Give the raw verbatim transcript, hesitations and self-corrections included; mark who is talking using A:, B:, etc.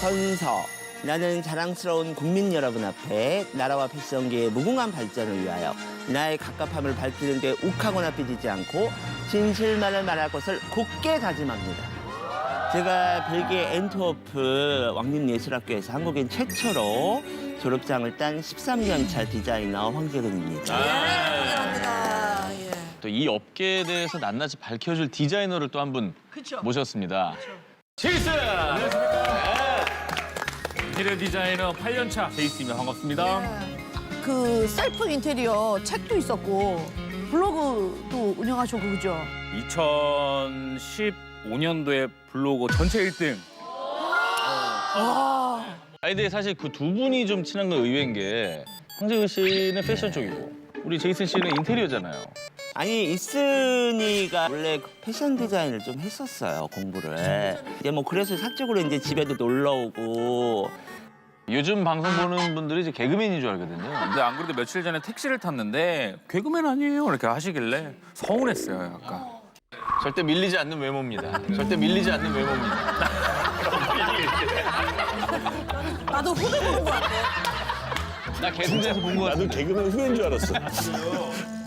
A: 선서. 나는 자랑스러운 국민 여러분 앞에 나라와 패션계의 무궁한 발전을 위하여 나의 갑갑함을 밝히는 데 욱하거나 삐지지 않고 진실만을 말할 것을 굳게 다짐합니다. 제가 벨기에 엔트워프 왕립예술학교에서 한국인 최초로 졸업장을 딴 십삼 년 차 디자이너 황재근입니다.
B: 아, 예.
C: 또 이 업계에 대해서 낱낱이 밝혀줄 디자이너를 또 한 분 모셨습니다.
D: 제이슨! 안녕하십니까. 인테리어 디자이너 팔 년 차 제이슨입니다. 반갑습니다.
B: 그 셀프 인테리어 책도 있었고 블로그도 운영하시고 그죠?
D: 이천십오 년도에 블로그 전체 일 등.
C: 아니 근데 사실 그 두 분이 좀 친한 건 의외인 게 황재근 씨는 패션 쪽이고 우리 제이슨 씨는 인테리어잖아요.
A: 아니 이슨이가 원래 그 패션 디자인을 좀 했었어요, 공부를. 이제 뭐 그래서 사적으로 이제 집에도 놀러 오고.
C: 요즘 방송 보는 분들이 이제 개그맨인 줄 알거든요.
D: 근데 안 그래도 며칠 전에 택시를 탔는데 개그맨 아니에요? 이렇게 하시길래 서운했어요, 약간.
C: 절대 밀리지 않는 외모입니다. 절대 밀리지 않는 외모입니다.
B: 나도 후배 보는 것 같아.
C: 나 개그맨에서 본 거 같아.
E: 나도 개그맨 후배인 줄 알았어.